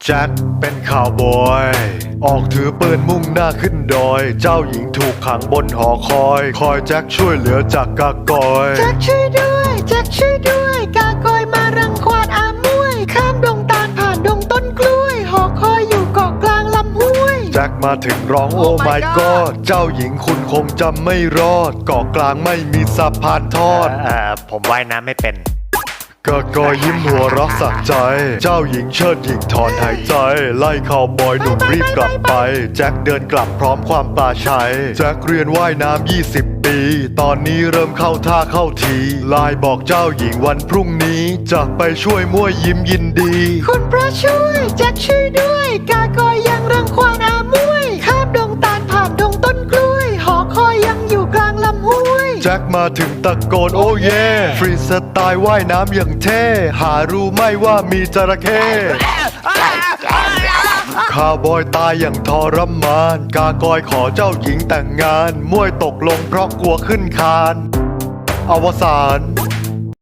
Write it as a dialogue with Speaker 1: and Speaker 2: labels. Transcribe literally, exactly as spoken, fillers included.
Speaker 1: แจ็คเป็นข่าวบอยออกถือปืนมุ่งหน้าขึ้นดอยเจ้าหญิงถูกขังบนหอคอยคอยแจ็คช่วยเหลือจากกากอย
Speaker 2: แจ็คช่วยด้วยแจ็คช่วยด้วยกากอยมารังควานอามวยข้ามดงตาลผ่านดงต้นกล้วยหอคอยอยู่เกาะกลางลำห้วย
Speaker 1: แจ็คมาถึงร้องโอ้ my god เจ้าหญิงคุณคงจำไม่รอดเกาะกลางไม่มีสะพานทอด
Speaker 3: เอ่อผมว่ายน้ำไม่เป็น
Speaker 1: กากอยยิ้มหัวเรักสักใจเจ้าหญิงเชิดหญิงถอนหายใจไล่ข่าวบอยหนุ่มรีบกลับไปแจ็คเดินกลับพร้อมความปลาชัยแจ็คเรียนว่ายน้ำยี่สิบปีตอนนี้เริ่มเข้าท่าเข้าทีไลน์บอกเจ้าหญิงวันพรุ่งนี้จะไปช่วยมั่วยิ้มยินดี
Speaker 2: คุณพระช่วยแจ็คช่วยด้วยกากอยยังรังควานอามวยข้ามดงตาลผ่านดงต้นกล้วยหอคอยยังอยู่กลางลำห้วย
Speaker 1: แจ็คมาถึงตะโกนโอ้เย่ฟรีสไตล์ว่ายน้ำอย่างเท่หารู้ไหมว่ามีจระเข้ข้าวบอยตายอย่างทรมานกากอยขอเจ้าหญิงแต่งงานมวยตกลงเพราะกลัวขึ้นคานอวสาน